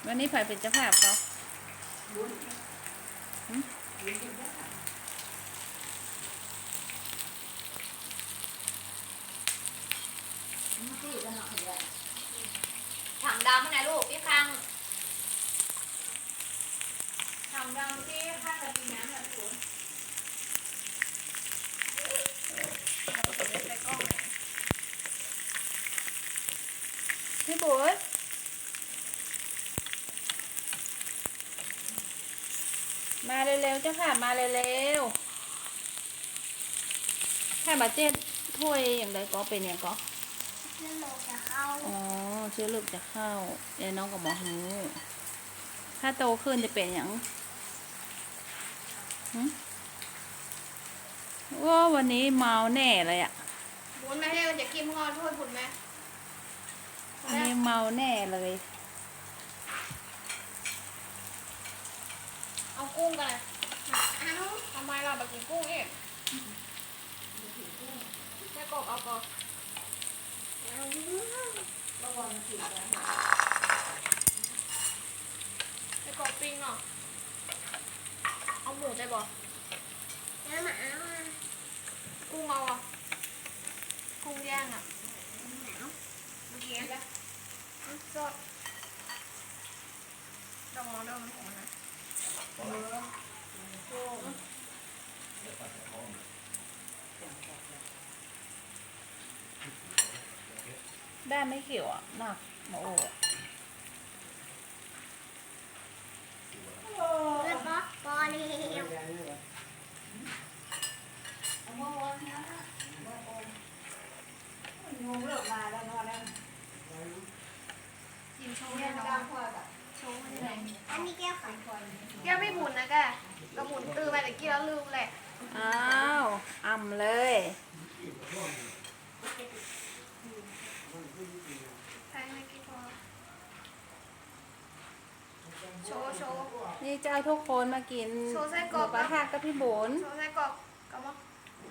วันนี้ไผ่เป็นเจ้าภาพเขาถังดำนะลูกพี่คังถังดำที่ข้างกระติกน้ำแบบคุณพี่บุ๋ยมาเร็วๆเจ้าภาพมาเร็วๆถ้าบาดเจ็บถ้วยอย่างไรก็เป็นอย่างก็เชื้อโรคจะเข้าอ๋อเชื้อโรคจะเข้าเดี๋ยวน้องก็บอกหูถ้าโตขึ้นจะเป็นอย่างว่าวันนี้เมาแน่เลยอ่ะบุญไม่ให้จะกินงอถ้วยบุญไหมวันนี้เมาแน่เลยเอากุ้งกันเลยทำไมเราแบบกินกุ้งอีกแค่กบเอากบไอ้กบปิ้งเนาะเอาหมูได้บ่แล้วมาเอากุ้งเอาอ่ะกุ้งย่างอ่ะหนาวเมื่อกี้แล้วสดดองมันของมันนะด้านไม่เขียวอ่ะหนักโอ้เลือดบอสปอเลียวกินโชว์เนี่ยน้องโชว์มันเลยอันนี้แก้วไข่แก้วไม่บุญนะแกเราบุญตื้อไปแต่กี้แล้วลืมแหละอ้าวอ่ำเลยใช่ไม่กี่พอโชว์โชว์นี่จะเอาทุกคนมากินโชว์ไส้กหรอมูกกระทะกับพี่บุญโชว์ไส้กรอกกับว่า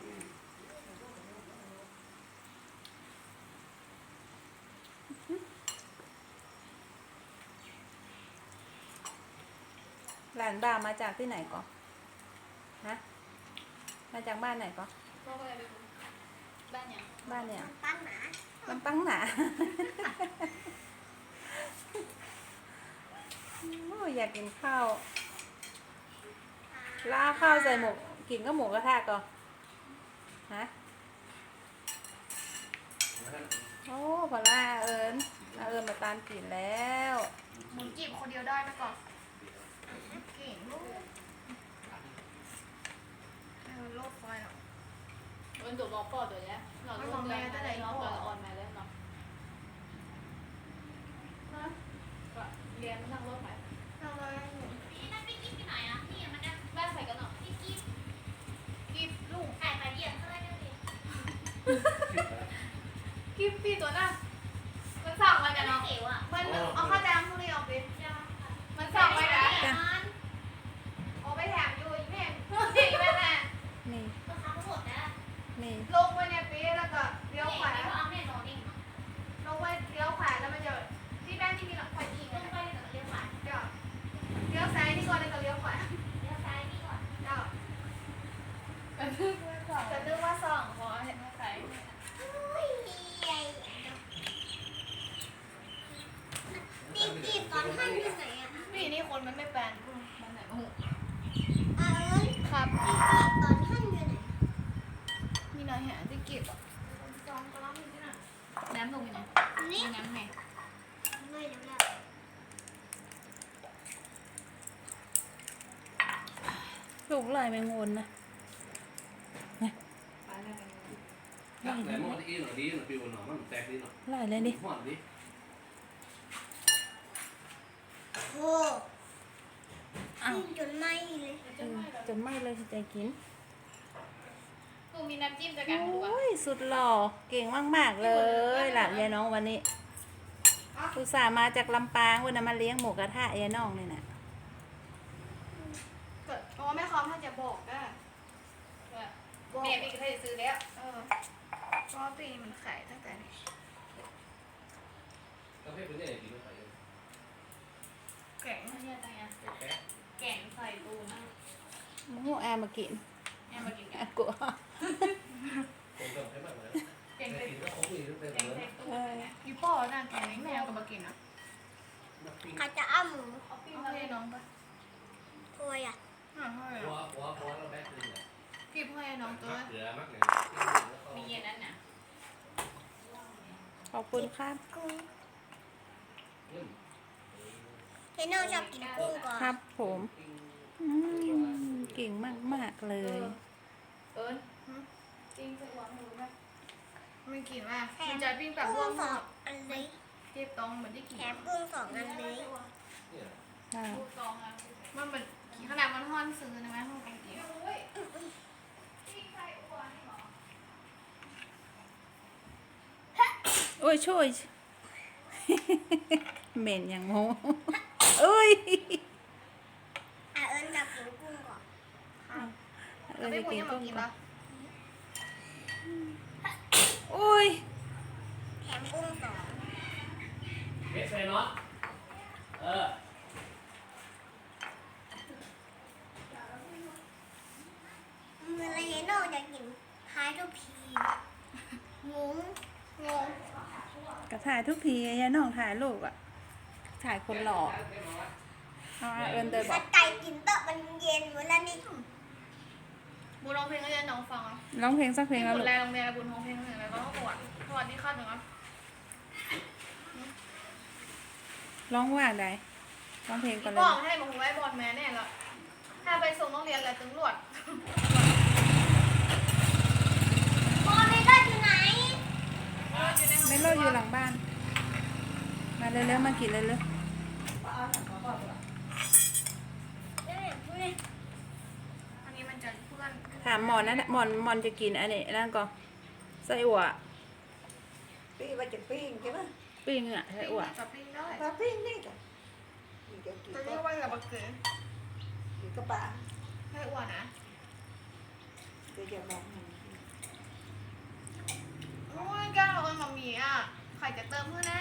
หลานบ่ามาจากที่ไหนก่อนฮะมาจากบ้านไหนก่อนพ่อก็เลยไปบ้านเนี่ยบ้านเนี่ยตั้งหนาลำปังหนาโอ้ยอยากกินข้าวล่าข้าวใส่หมูกินก็หมูกระทะก่อนฮะโอ้พอล่าเอิญมาตามกินแล้วหมุนจีบคนเดียวได้ไหมก่อนเก่งลูกโลดไฟหรอมันถูกล็อกปอดตัวเนี้ยเราล็อกเลยได้ล็อกตัวอ่อนมาแล้วเนาะเรียนนั่งรถไหมเราเลยพี่นั่นพี่กิ๊บที่ไหนอ่ะพี่มันจะบ้านใส่กันเนาะพี่กิ๊บกีบลูกไข่มาเยี่ยมเท่าไหร่ดิกีบพี่ตัวน่ะมันสั่งมากันน้องเนาะเก๋วอ่ะมันเอาข้าวแดงพวกนี้ออกไปมันสั่งไว้นะเอาไปแถมอยู่แม่เด็กแม่แม่นี่ก็ทำหมดนะนี่ลงไปในปีแล้วก็เลี้ยวขวาเอาแน่นอนเองลงไปเลี้ยวขวาแล้วมันจะที่แม่ที่มีหลังไฟอีกลงไปกับเลี้ยวขวาเดี๋ยวเลี้ยวซ้ายนี่ก่อนแล้วก็เลี้ยวขวาเลี้ยวซ้ายนี่ก่อนเดี๋ยวมันคือเพื่อนสั่งจะนึกว่าส่องขอเห็นมาใส่อุ้ยใหญ่พี่กิ๊บตอนท่านอยู่ไหนอ่ะนี่นี่คนมันไม่แปลนมันไหนมึงเอิญครับพี่กิ๊บตอนท่านอยู่ไหนมีนายหาที่เก็บอ่ะจองก็รับมีที่ไหนน้ำลงอยู่ไหนนี่น้ำไหนไม่รู้แล้วลูกลายแมงวนนะไหนมองที่หน่อยดีหน่อยปิวหน่อยมันแตกดีหน่อยลายเลยดิหอดดิโอ้อ้าวกินจนไหม้เลยจนไหม่เลยใจกินกูมีน้ำจิ้มจะกันดูอ่ะโอ้ยสุดหล่อเก่งมากๆเลยหลานยายน้องวันนี้อุตส่าห์มาจากลำปางวันนั้นมาเลี้ยงหมูกระทะยายน้องนี่นะเกิดเพราะว่าแม่คอมท่านจะบอกได้แม่พี่ก็ได้ซื้อแล้วเพราะว่าปีนี้มันขายตั้งแต่นี้กาแฟเป็นยังไงกินไม่ไปแข็งเนี่ยตั้งไงแกงใส่ตูนโอ้โหแอร์มากินแอมมากินแอกันร์กลัวผมก็ให้มากเลยแกงแค่ใส่กินก็คงมีตั้งแต่แกงเมื่อใส่ตูนยูป้อน่าแกงนี้แมวก็มากินนะใครจะเอาหมูเอาปิ้งเอามาให้เลยน้องปะถ้วยอ่ะหัวหัวเราแบกขึ้นเลยกีบให้น้องตัวมักเหลือมักเลยมีเย็นนั้นน่ะขอบคุณครับกุ้งเทนโน่ชอบกินกุ้งก่อนครับผมเก่งมากๆเลยเอิญปิ้งใส่หัวหมูแบบไม่กินว่ามันจะปิ้งแบบกุ้ร่วงงสองอันเลยเก็บตองเหมือนที่กินแถมกุ้ง2 อันเลยค่ะลูกซองอ่ะมันเหมือนขนาดมันห่อนซื้อนะแม่ห้องกินโอ้ยช่วย เหม็นอย่างโมเอ้ยเอิญจะกินกุ้งก่อนเอแล้อวไม่จะควรกินยังมากุ้งกินก่อปะนโอ้ยแถมกุ้ง2 เฮ็ดใส่เนาะเออเมื่อไรเทนโน่จะกินพายทุกทีงงกระถ่ายทุกทียายน้องถ่ายรูปอ่ะ ถ่ายคนหล่อเอาเอิญเดินบถ้าอกไก่กินเตอะมันเย็นหมดแล้วนี่บูร้องเพลงก็จะน้องฟังอ่ะร้องเพลงสักเพลงแล้วบุลูญกแรงโรงเรียนบุญร้องเพลงหนึ่งแล้วก็ปวดสวัสดีค่ะหนึ่งอ่ะร้องว่าใดร้องเพลงก่อนเลบยอกให้มาหูไว้บอลแม่แน่ละถ้าไปส่งต้องเรียนอะไรตำรวจบอลไม่ได้อยู่ไหนไม่โลดอยู่หลังบ้าน มาเร็วๆมากินเร็วเอ้ยอันนี้มันจะเพื่อนๆถามหมอนนั่นน่ะหมอนจะกินอันนี้นั่นก่อนไส้อั่วปิ้งว่าจะปิ้งใช่ไหมปิ้งอ่ะไส้อั่วจะปิ้งได้ปลาปิ้งนี่จ้ะนี่จะกินจะก็เรียกว่ากับบักเกอร์กินก็ปลาให้อ้วนนะเดี๋ยวจะมองมันโอ้ยแก้วเราเป็นหมามีอ่ะใครจะเติมเพื่อนนะ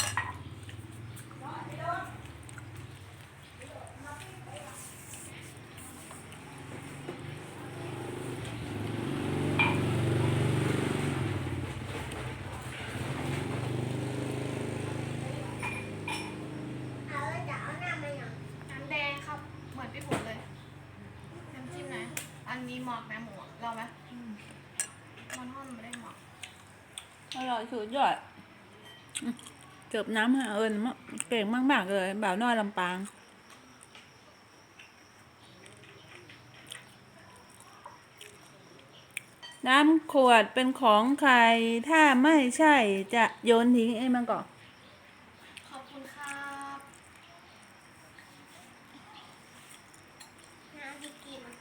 เอาแล้วจะเอาหน้ามาอย่างน้ำแดงครับ เหมือนพี่ผลเลย น้ำจิ้มนะ อันนี้หมอกนะหมูอะเราไหมมันห่อนไม่ได้หมอกอร่อยสุดยอดเกือบน้ำหาเอิญเก่งมากๆเลยบ่าวน้อยลำปาง น้ำขวดเป็นของใคร ถ้าไม่ใช่จะโยนทิ้งเองมันก่อนขอบคุณครับน้ำที่กิน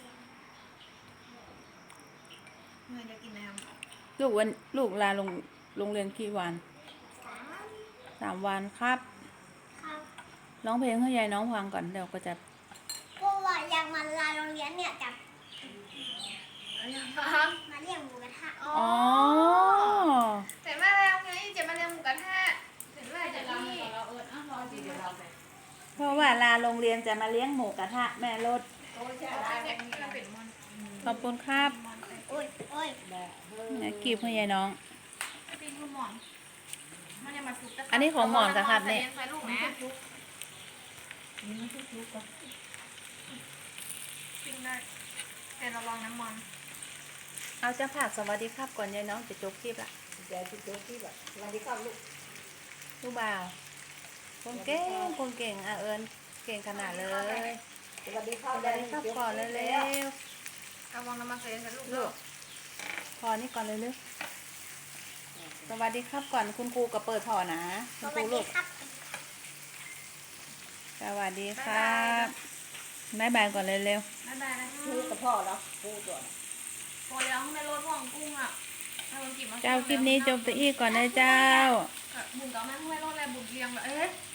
เงินจะกินน้ลูกลาโรงเรียนกี่วัน 3 วันครับครับร้องเพลงให้ยายน้องฟังก่อนเดี๋ยวก็จะเพราะว่าอยากมาลาโรงเรียนเนี่ยจะำอะไรครับมาเลี้ยงหมูกระทะอ๋ออ๋อแต่แม่แล้วไงจะมาเรียนหมูกระทะถึงแม่เดี๋จะยวเราพี่เราเอิญอ้าวรอสิเดี๋ยวเราไปเพราะว่าลาโรงเรียนจะมาเลี้ยงหมูกระทะแม่รถโอ้ยใช่เอาไรไปเนี่ยเราเป็นมันขอบคุณครับมันไปโอ้ยโอ้ยแบบเฮ้ยนะกีบให้ยายน้องเป็นคุณหมอนมันยังมาซุกตะอันนี้ของหมอนกับครับเนี่ยใส่ลูกนะนี่ทุกๆก็ปิ้งได้แต่ระวังน้ำมันเอาจะฝากสวัสดีครับก่อนยายน้องจะจบคลิปละใจที่โจ๊กที่แบบวันนี้ก็ลูกลูกบ่าวคนเก่งอ่ะเอิญเก่งขนาดเลยสวัสดีครัสบวัสดีครับก่อนเร็วระวังน้ำมันใส่ลูกๆลูกพอนี่ก่อนเร็วๆสวัสดีครับก่อนคุณครูก็เปิดพอนะสคุณควัรูสลูดีกครับสวัสดีครับบ๊ายบายก่อนเร็วบ๊ายบายนะพูดกับพ่อแล้วพูดก่อนโอ้ยแล้วในรถพ่องกุ้งอ่ะให้มันกินมาๆเจ้าคลิปนี้จบตัวอีกก่อนนะเจ้าบุญกับแม่ให้รถอะไรบุญเรียงแบบเอ๊ะ